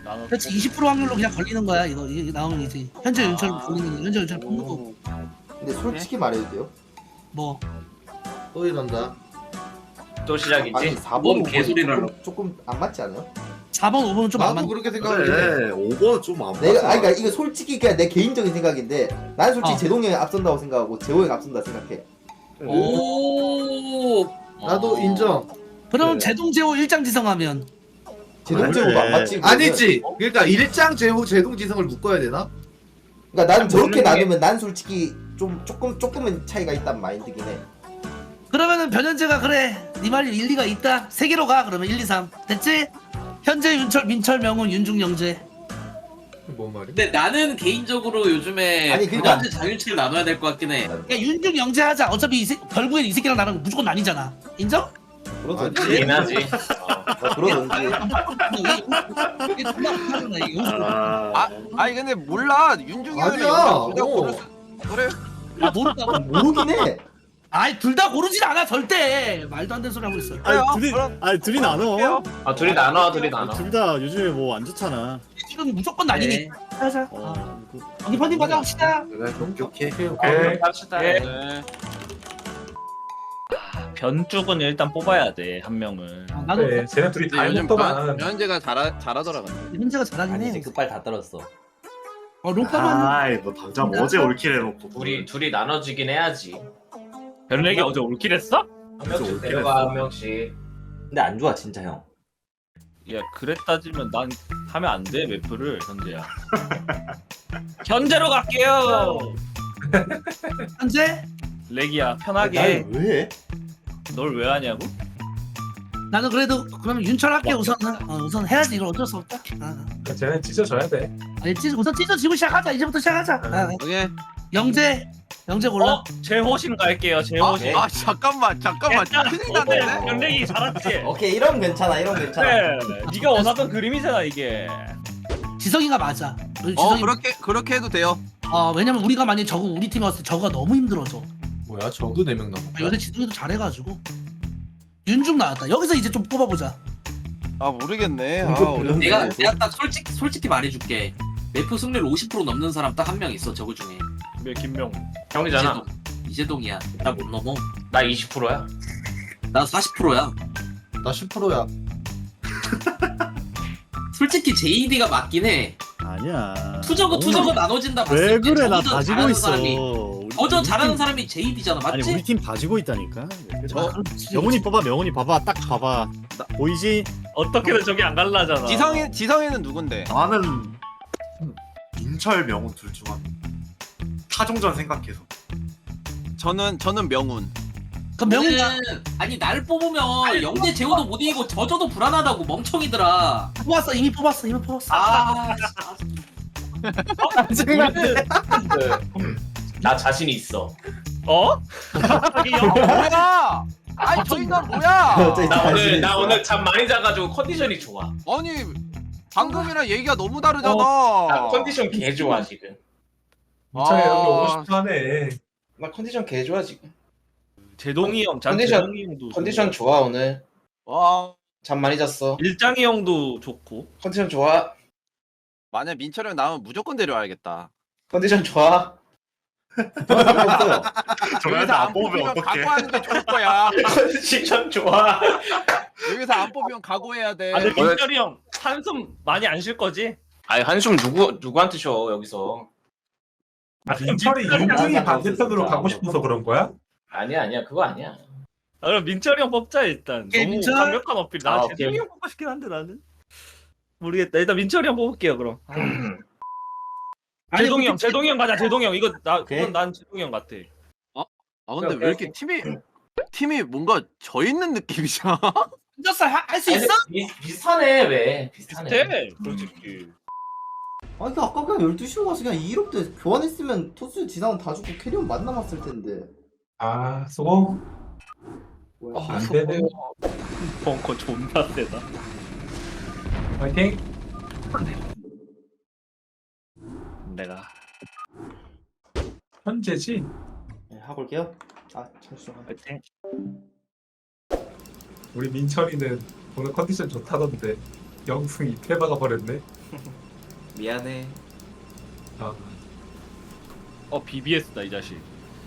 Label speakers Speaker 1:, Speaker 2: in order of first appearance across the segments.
Speaker 1: 그렇지 20% 확률로 그냥 걸리는 거야 이거 이게 나오면 이제 현재 윤철 걸리는 거 현재 윤철 뽑는 거
Speaker 2: 근데 솔직히 말해도 돼요?
Speaker 1: 뭐
Speaker 3: 또 이런다.
Speaker 4: 또 시작이지?
Speaker 2: 아니 4번
Speaker 4: 뭔
Speaker 2: 5번
Speaker 4: 개소리라고.
Speaker 2: 조금 안 맞지 않아요?
Speaker 1: 4번 5번은 좀 안
Speaker 3: 나도
Speaker 1: 맞는
Speaker 3: 그렇게 생각해.
Speaker 5: 그래 5번 좀안 맞아.
Speaker 2: 내가 아니 그러니까 이거 솔직히 그냥 내 개인적인 생각인데 난 솔직히
Speaker 1: 어.
Speaker 2: 제동이 형이 앞선다고 생각하고 재호 형이 앞선다 생각해.
Speaker 4: 오.
Speaker 3: 나도 인정.
Speaker 1: 그럼
Speaker 5: 네.
Speaker 1: 제동제호 일장지성하면
Speaker 2: 제동 재호가 안 맞지? 그러면?
Speaker 3: 아니지. 그러니까 일장 제호 제동지성을 묶어야 되나?
Speaker 2: 그러니까 나는 저렇게
Speaker 4: 모르는 게-
Speaker 2: 나누면 난 솔직히 좀 조금은 차이가 있단 마인드긴 해.
Speaker 1: 그러면은 변현재가 그래 네 말이 일리가 있다 3개로 가 그러면 1, 2, 3 됐지? 현재 윤철 민철 명훈 윤중 영재
Speaker 3: 뭔 말이야?
Speaker 4: 근데 나는 개인적으로 요즘에
Speaker 2: 아니, 그러니까-
Speaker 4: 변현재 장윤철 나눠야 될 것 같긴 해.
Speaker 1: 야 윤중 영재 하자 어차피 결국엔 이 새끼랑 나랑 무조건 나뉘잖아 인정?
Speaker 2: 그러던지.
Speaker 4: 그긴 하지.
Speaker 2: 그러던지.
Speaker 1: 이게 존나 못하잖아 이거
Speaker 6: 아니 근데 몰라 윤중이 형이
Speaker 3: 아니야.
Speaker 6: 둘다 고를 수 그래
Speaker 1: 아 모른다고?
Speaker 2: 모르긴 해.
Speaker 1: 아이 둘 다 고르진 않아 절대 말도 안 되는 소리 하고 있어
Speaker 6: 그래요? 그럼
Speaker 7: 둘이 나눠.
Speaker 6: 할게요.
Speaker 4: 아 둘이 나눠 둘이 나눠.
Speaker 7: 둘 다 요즘에 뭐 안 좋잖아.
Speaker 1: 지금 무조건 나뉘니 하자
Speaker 7: 어.
Speaker 1: 여기 펀딩 받아봅시다
Speaker 5: 그래 오케이.
Speaker 4: 합시다.
Speaker 6: 네.
Speaker 8: 변죽은 일단 뽑아야 돼 한 명은.
Speaker 1: 나도
Speaker 9: 그래, 쟤네 둘이 다
Speaker 6: 요즘
Speaker 9: 해먹더만.
Speaker 6: 현재가 잘하더라 근데.
Speaker 1: 현재가 잘하긴 해
Speaker 10: 급발 다 떨었어.
Speaker 1: 롱파만
Speaker 5: 아이 뭐 당장 어제 올킬 해놓고
Speaker 4: 둘이 나눠지긴 해야지.
Speaker 8: 변렉이 어제 올킬했어?
Speaker 4: 한 명씩
Speaker 5: 올킬
Speaker 4: 데려가
Speaker 5: 했어.
Speaker 4: 한 명씩.
Speaker 10: 근데 안 좋아 진짜 형.
Speaker 8: 야 그랬 따지면 난 하면 안 돼 맵프를 현재야. 현재로 갈게요.
Speaker 1: 현재?
Speaker 8: 렉이야 편하게.
Speaker 2: 날 왜?
Speaker 8: 널 왜 하냐고?
Speaker 1: 나는 그래도 그러면 윤철 할게 우선은 우선 해야지 이걸 어쩔 수 없다
Speaker 9: 쟤네 찢어줘야 돼.
Speaker 1: 우선 찢어지고 시작하자 이제부터 시작하자
Speaker 6: 오케이.
Speaker 1: 영재 골라
Speaker 8: 제호신 갈게요 제호신.
Speaker 6: 아 잠깐만 큰일 났네.
Speaker 8: 변렉이 잘했지.
Speaker 10: 오케이 이러면 괜찮아 이러면 괜찮아.
Speaker 8: 그래 네가 원하던 그림이잖아 이게.
Speaker 1: 지성이가 맞아 지성이
Speaker 6: 그렇게 해도 돼요.
Speaker 1: 왜냐면 우리가 만약에 우리 팀에 왔을 때 저거가 너무 힘들어져
Speaker 9: 뭐야 저도 4명 남았다.
Speaker 1: 요새 지성이도 잘해가지고 윤중 나왔다 여기서 이제 좀 뽑아보자
Speaker 6: 아 모르겠네. 아
Speaker 2: 이거
Speaker 6: 어렵네.
Speaker 4: 내가 딱 솔직히 말해줄게. 매프 승률 50% 넘는 사람 딱 한 명 있어 저거 중에.
Speaker 8: 왜 김명?
Speaker 4: 형이잖아. 이재동이야. 나 못 넘어. 나 20%야. 나 40%야.
Speaker 3: 나 10%야.
Speaker 7: 솔직히 JD가 맞긴 해.
Speaker 1: 아니야.
Speaker 7: 투저거 나눠진다 봤을
Speaker 1: 왜
Speaker 7: 때
Speaker 1: 그래? 나
Speaker 7: 저저
Speaker 1: 봐주고
Speaker 7: 잘하는
Speaker 1: 있어.
Speaker 7: 사람이
Speaker 1: 우리
Speaker 7: 잘하는
Speaker 1: 팀-
Speaker 7: 사람이 JD잖아,
Speaker 1: 아니
Speaker 7: 맞지?
Speaker 1: 우리 팀 봐주고 있다니까.
Speaker 6: 저-
Speaker 1: 명훈이 봐봐, 명훈이 봐봐, 딱 봐봐. 보이지?
Speaker 8: 어떻게든 저기 안 갈라잖아.
Speaker 6: 지성이는 누군데?
Speaker 5: 나는 민철 명훈 둘 중 한 타종전 생각해서
Speaker 6: 저는 명훈.
Speaker 1: 그럼 명훈이
Speaker 7: 아니 날 뽑으면 영재 재호도 못 이기고 저저도 불안하다고 멍청이들아.
Speaker 1: 뽑았어, 이미 뽑았어.
Speaker 7: 아,
Speaker 4: 나 자신 있어.
Speaker 8: 어?
Speaker 6: 뭐야? 아니 저 인간 뭐야?
Speaker 4: 나 오늘 잠 많이 자가지고 컨디션이 좋아.
Speaker 6: 아니 방금이랑 얘기가 너무 다르잖아.
Speaker 4: 나 컨디션 개 좋아 지금.
Speaker 9: 민철이 여기 오고
Speaker 6: 아.
Speaker 9: 싶어 하네.
Speaker 4: 나 컨디션 개 좋아 지금.
Speaker 8: 제동이 형,
Speaker 4: 컨디션-
Speaker 8: 제동이 형도
Speaker 4: 컨디션 좋아 오늘.
Speaker 6: 와
Speaker 4: 잠 많이 잤어.
Speaker 8: 일장이 형도 좋고.
Speaker 4: 컨디션 좋아.
Speaker 6: 만약 민철이 형 나오면 무조건 데려와야겠다.
Speaker 4: 컨디션 좋아.
Speaker 5: 저희한테 안 뽑으면 어떡해.
Speaker 6: 각오하는 게 좋을 거야.
Speaker 4: 컨디션 좋아.
Speaker 6: 여기서 안 뽑으면 각오해야 돼.
Speaker 8: 아, 근데 민철이 형 한숨 많이 안 쉴 거지?
Speaker 4: 아니 한숨 누구한테 쉬어 여기서.
Speaker 9: 아, 민철이 윤중이 반대편으로 가고 싶어서 그런 거야?
Speaker 4: 아니야 그거 아니야.
Speaker 8: 아, 그럼 민철이 형 뽑자 일단.
Speaker 1: 오케이,
Speaker 8: 너무
Speaker 1: 민철.
Speaker 8: 강력한 어필. 나
Speaker 4: 아,
Speaker 8: 제동이
Speaker 4: 오케이.
Speaker 8: 형 뽑고 싶긴 한데 나는. 모르겠다. 일단 민철이 형 뽑을게요 그럼. 제동이 형, 제동이 형 가자. 제동이 형 이거
Speaker 10: 오케이.
Speaker 8: 그건 난 제동이 형 같아.
Speaker 6: 아 근데 왜 이렇게 팀이 뭔가 져 있는 느낌이잖아.
Speaker 1: 혼자서 할 수 있어?
Speaker 4: 비슷하네 왜? 비슷하네.
Speaker 8: 돼 솔직히.
Speaker 2: 아니 그 아까 그냥 12시로 가서 그냥 2롭 때 교환했으면 토스 지상은 다 죽고 캐리온 만 남았을 텐데.
Speaker 9: 아 수고.
Speaker 2: 뭐야.
Speaker 9: 안 되네.
Speaker 8: 벙커 존나 세다.
Speaker 9: 화이팅.
Speaker 8: 내가
Speaker 9: 현재지.
Speaker 2: 네, 하고 올게요. 아 잠시만.
Speaker 8: 파이팅.
Speaker 9: 우리 민철이는 오늘 컨디션 좋다던데 영승 2패 박아버렸네.
Speaker 5: 미안해.
Speaker 9: 아,
Speaker 8: BBS다 이 자식.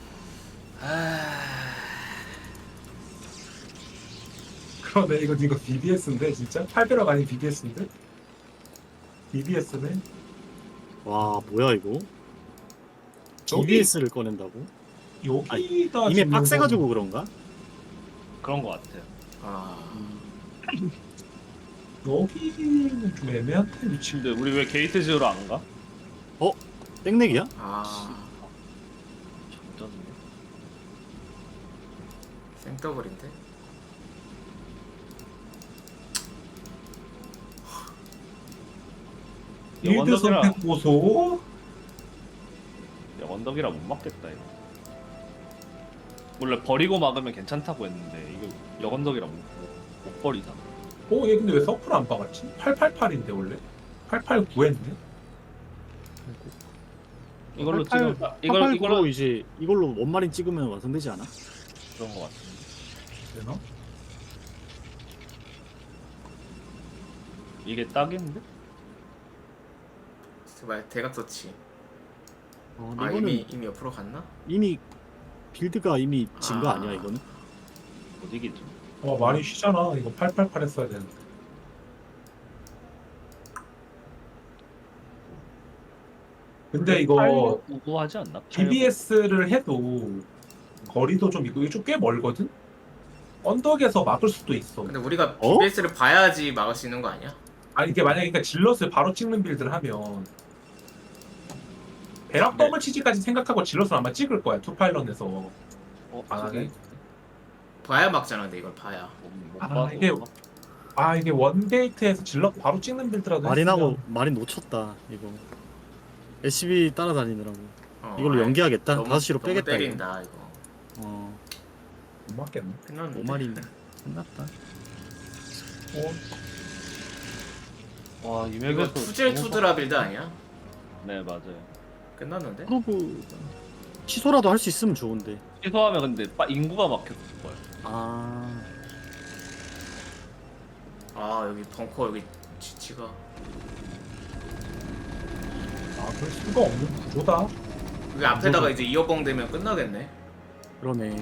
Speaker 9: 그러네. 이거 BBS인데 진짜? 8배럭 아닌 BBS인데? BBS네.
Speaker 11: 와 뭐야 이거?
Speaker 9: 여기-
Speaker 11: BBS를 꺼낸다고?
Speaker 9: 여기다
Speaker 11: 이미
Speaker 9: 짓는
Speaker 11: 빡세가지고 그런가?
Speaker 8: 그런 거 같아요.
Speaker 5: 아
Speaker 9: 여기는 좀 애매한데 위치.
Speaker 8: 근데 우리 왜 게이트 지으러 안 가?
Speaker 11: 땡내기야?
Speaker 5: 아.
Speaker 8: 졌네.
Speaker 5: 생더블인데.
Speaker 9: 일드
Speaker 8: 영원덕이라
Speaker 9: 선택 보소.
Speaker 8: 영원덕이라 못 막겠다 이거. 원래 버리고 막으면 괜찮다고 했는데 이거 영원덕이라 못 버리잖아.
Speaker 9: 얘 근데 왜 서플 안 박았지? 888인데 원래? 889했네?
Speaker 8: 이걸로
Speaker 11: 88,
Speaker 8: 찍어.
Speaker 11: 88
Speaker 8: 이걸로
Speaker 11: 구로 이제 이걸로 원마린 찍으면 완성되지 않아?
Speaker 8: 그런 거 같은데.
Speaker 9: 되나?
Speaker 8: 이게 딱인데?
Speaker 5: 제발 대각 서치.
Speaker 11: 근데
Speaker 5: 아
Speaker 11: 이거는
Speaker 5: 이미 옆으로 갔나?
Speaker 11: 이미 빌드가 이미 진 거
Speaker 5: 아.
Speaker 11: 아니야 이거는?
Speaker 8: 못 이기지.
Speaker 9: 많이 쉬잖아. 이거 888 했어야 되는데. 근데 이거
Speaker 8: 우구하지 않나?
Speaker 9: BBS를 해도 거리도 좀 있고 이게 좀 꽤 멀거든? 언덕에서 막을 수도 있어.
Speaker 5: 근데 우리가
Speaker 11: 어?
Speaker 5: BBS를 봐야지 막을 수 있는 거 아니야?
Speaker 9: 아니 이게 만약에 그러니까 질럿을 바로 찍는 빌드를 하면 배락 더블 치즈까지 생각하고 질럿을 아마 찍을 거야 투파일런에서. 만약에
Speaker 5: 봐야 막잖아. 근데 이걸 봐야.
Speaker 9: 이게 원게이트에서 질럿 바로 찍는 빌드라도
Speaker 11: 마린하고 마린 놓쳤다 이거. SCB 따라다니느라고. 이걸로
Speaker 5: 아이,
Speaker 11: 연기하겠다.
Speaker 5: 너무-
Speaker 11: 5시로
Speaker 5: 너무
Speaker 11: 빼겠다
Speaker 5: 때린다 이거.
Speaker 11: 이거.
Speaker 9: 못 맞겠네.
Speaker 5: 끝났는데.
Speaker 11: 5마린 끝났다.
Speaker 8: 와
Speaker 5: 이거
Speaker 8: 이맥에서
Speaker 5: 투질 투드라 빌드 아니야?
Speaker 8: 네 맞아요.
Speaker 5: 끝났는데?
Speaker 11: 그러고 취소라도 할 수 있으면 좋은데.
Speaker 8: 취소하면 근데 인구가 막혔을 거야.
Speaker 5: 아 여기 벙커 여기 지치가.
Speaker 9: 그럴 수가 없는 구조다.
Speaker 5: 여기 앞에다가 이제 이어벙 되면 끝나겠네.
Speaker 11: 그러네.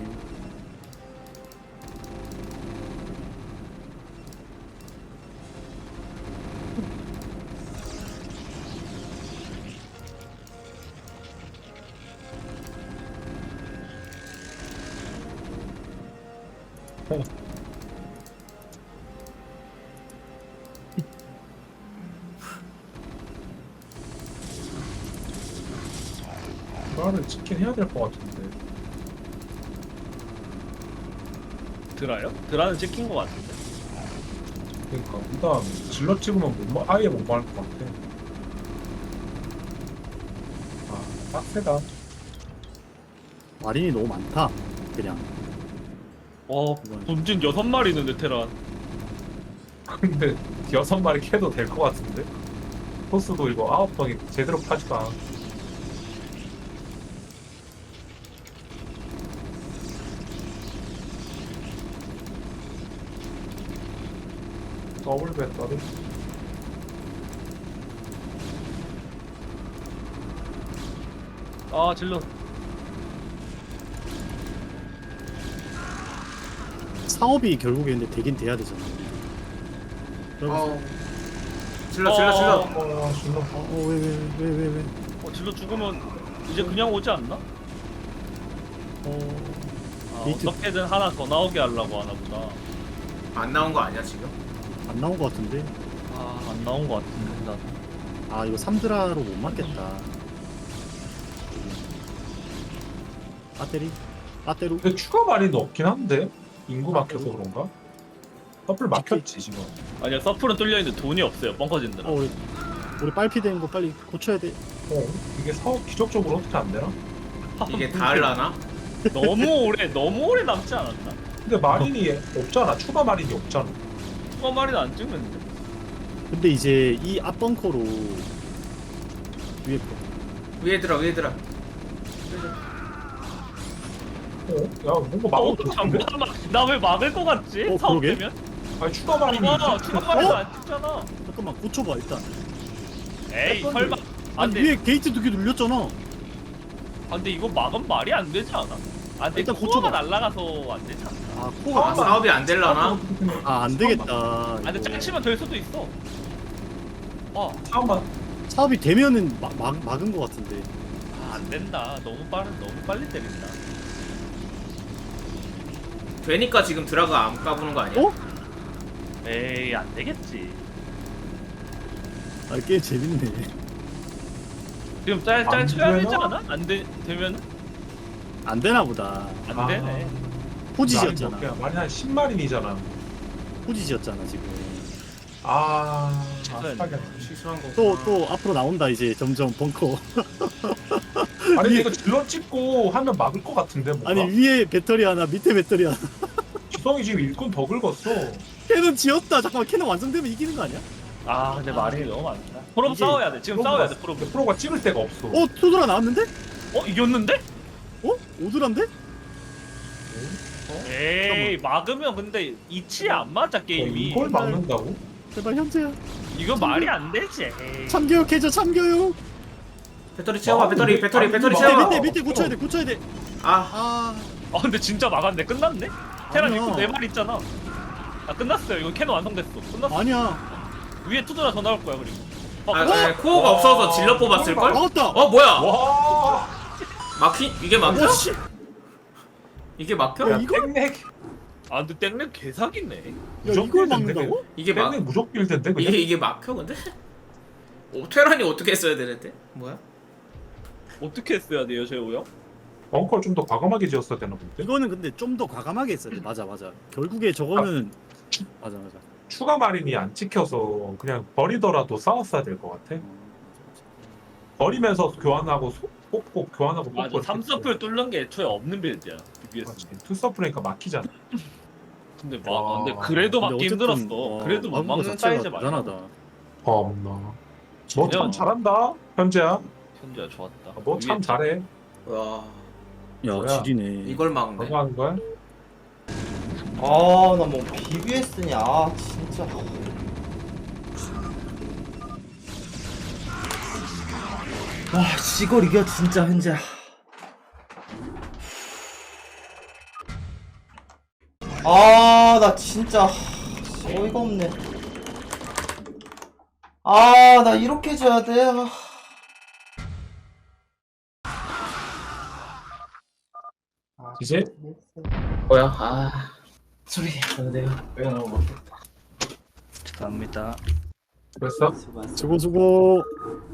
Speaker 9: 그거를 찍긴 해야 될 것 같은데.
Speaker 8: 드라요? 드라는 찍힌 거 같은데.
Speaker 9: 그러니까 일단 질럿 찍으면 아예 못 막을 것 같아. 빡세다.
Speaker 11: 마린이 너무 많다. 그냥.
Speaker 8: 본진 6마리 있는데 테란.
Speaker 9: 근데 6마리 캐도 될 것 같은데? 토스도 이거 9방이 제대로 파지도 않아. 더블 배터리?
Speaker 8: 질러.
Speaker 11: 사업이 결국에 근데 되긴 돼야 되잖아.
Speaker 5: 질러.
Speaker 9: 질럿.
Speaker 11: 왜?
Speaker 8: 질러 죽으면 이제 그냥 오지 않나?
Speaker 11: 게이트-
Speaker 8: 어떻게든 하나 더 나오게 하려고 하나 보다.
Speaker 5: 안 나온 거 아니야 지금?
Speaker 11: 안 나온 것 같은데.
Speaker 8: 안 나온 거 같은데 나.
Speaker 11: 이거 3드라로 못 맞겠다. 배터리?
Speaker 9: 근데 추가 마린도 없긴 한데? 인구 막혀서 그런가? 서플 막혔지 지금.
Speaker 8: 아니야 서플은 뚫려 있는데 돈이 없어요. 뻥커진들.
Speaker 11: 우리 빨피 되는 거 빨리 고쳐야 돼.
Speaker 9: 이게 사업 기적적으로 어떻게 안 되나?
Speaker 5: 이게 다 할라나?
Speaker 8: 너무 오래 남지 않았나?
Speaker 9: 근데 마린이 없잖아. 추가 마린이 없잖아.
Speaker 8: 말이는 안 찍는데.
Speaker 11: 근데 이제 이 앞벙커로
Speaker 5: 위에 들어.
Speaker 9: 야 뭔가 막을 것 같은데?
Speaker 8: 잠깐만 나 왜 막을 것 같지?
Speaker 11: 그러게?
Speaker 8: 사업 되면?
Speaker 9: 아니 추가 마린이
Speaker 8: 추가 말도 안 찍잖아.
Speaker 11: 잠깐만 고쳐봐 일단.
Speaker 8: 에이 설마.
Speaker 11: 아니
Speaker 8: 안돼.
Speaker 11: 위에 게이트 2개 눌렸잖아.
Speaker 8: 아 근데 이거 막으면 말이 안 되지 않아? 아 근데
Speaker 11: 일단
Speaker 8: 코어가
Speaker 11: 고쳐봐.
Speaker 8: 날라가서 안 되지 않아?
Speaker 11: 아 코가
Speaker 5: 사업이 안 될라나?
Speaker 11: 아안 되겠다.
Speaker 8: 아 근데
Speaker 11: 이거.
Speaker 8: 짝치면 될 수도 있어.
Speaker 9: 처음만
Speaker 11: 사업이 되면은 막은 거 같은데.
Speaker 8: 안 된다. 너무 빨리 때린다.
Speaker 5: 되니까 지금 드라가 안 까부는 거 아니야?
Speaker 11: 어?
Speaker 8: 에이 안 되겠지.
Speaker 11: 아 꽤 재밌네.
Speaker 8: 지금 짤
Speaker 9: 안
Speaker 8: 쳐야 되지
Speaker 9: 되나?
Speaker 8: 않아? 안 되면
Speaker 11: 안 되나 보다.
Speaker 8: 안 되네.
Speaker 11: 포지지였잖아.
Speaker 9: 말이 한 10마린이잖아.
Speaker 11: 포지지였잖아 지금.
Speaker 5: 실수한 거.
Speaker 11: 또 앞으로 나온다 이제 점점 벙커.
Speaker 9: 아니 근데 이거 질러 찍고 하면 막을 것 같은데 뭔가.
Speaker 11: 아니 위에 배터리 하나 밑에 배터리 하나.
Speaker 9: 지성이 지금 일꾼 더 긁었어.
Speaker 11: 캐논 지었다. 잠깐만 캐논 완성되면 이기는 거 아니야?
Speaker 8: 아 근데 말이 너무 많다. 프로
Speaker 11: 이게
Speaker 8: 싸워야 돼. 지금 싸워야 돼. 프로.
Speaker 9: 근데 프로가 찍을 데가 없어.
Speaker 11: 어 투드라 나왔는데?
Speaker 8: 이겼는데?
Speaker 11: 어 오드란데?
Speaker 8: 에이 막으면 근데 이치에 안 맞아 게임이.
Speaker 9: 이걸 막는다고?
Speaker 11: 제발 현재야.
Speaker 8: 이거 말이 안 되지. 에이.
Speaker 11: 참교육 해줘 참교육.
Speaker 5: 배터리 채워봐. 배터리
Speaker 11: 밑에
Speaker 5: 채워.
Speaker 11: 밑에 고쳐야 돼.
Speaker 5: 아,
Speaker 8: 아 근데 진짜 막았네. 끝났네. 테란
Speaker 11: 아니야.
Speaker 8: 입구 4마리 있잖아. 아 끝났어요. 이거 캐논 완성됐어. 끝났어.
Speaker 11: 아니야.
Speaker 8: 위에 투드라 더 나올 거야 그리고.
Speaker 5: 코어가 없어서 질러 뽑았을 걸?
Speaker 11: 막았다.
Speaker 5: 뭐야?
Speaker 9: 와.
Speaker 5: 이게 막혀?
Speaker 11: 오씨.
Speaker 5: 이게 막혀?
Speaker 9: 야
Speaker 11: 이거?
Speaker 9: 땡렉.
Speaker 8: 아 근데 땡렉 개사기네.
Speaker 11: 야 이걸 막는다고?
Speaker 5: 이게
Speaker 9: 땡렉 무적 빌드인데 그냥.
Speaker 5: 이게 막혀 근데? 테란이 어떻게 써야 되는데? 뭐야?
Speaker 8: 어떻게 했어야 돼요 재호 형?
Speaker 9: 벙커를 좀 더 과감하게 지었어야 되나 본데.
Speaker 11: 이거는 근데 좀 더 과감하게 했어야 돼. 맞아. 결국에 저거는 맞아.
Speaker 9: 추가 마린이 안 찍혀서 그냥 버리더라도 싸웠어야 될 것 같아. 버리면서 교환하고 뽑고 교환하고
Speaker 8: 맞아.
Speaker 9: 뽑고.
Speaker 8: 3서플 뚫는 게 애초에 없는 빌드야. BBS.
Speaker 9: 투서프니까 막히잖아.
Speaker 8: 근데
Speaker 9: 와.
Speaker 8: 근데 그래도 막기
Speaker 11: 근데 어쨌든,
Speaker 8: 힘들었어. 그래도 못
Speaker 11: 막은 거
Speaker 8: 막는
Speaker 11: 자체가
Speaker 8: 사이즈 말고.
Speaker 11: 대단하다.
Speaker 9: 없나. 너 참
Speaker 8: 그냥-
Speaker 9: 잘한다 현재야.
Speaker 8: 현재야 좋았다.
Speaker 9: 너 참 잘해.
Speaker 5: 와,
Speaker 11: 야
Speaker 9: 뭐야?
Speaker 11: 지리네.
Speaker 5: 이걸 막네.
Speaker 9: 너무 하는 거야?
Speaker 2: 나 뭐 BBS냐 진짜. 와 이걸 이겨 진짜 현재. 나 진짜 어이가 없네. 나 이렇게 져야 돼.
Speaker 9: 이제
Speaker 4: 뭐야? 소리. 내가 왜 나오고?
Speaker 8: 감사합니다.
Speaker 9: 그랬어?
Speaker 2: 수고하셨어.
Speaker 11: 수고.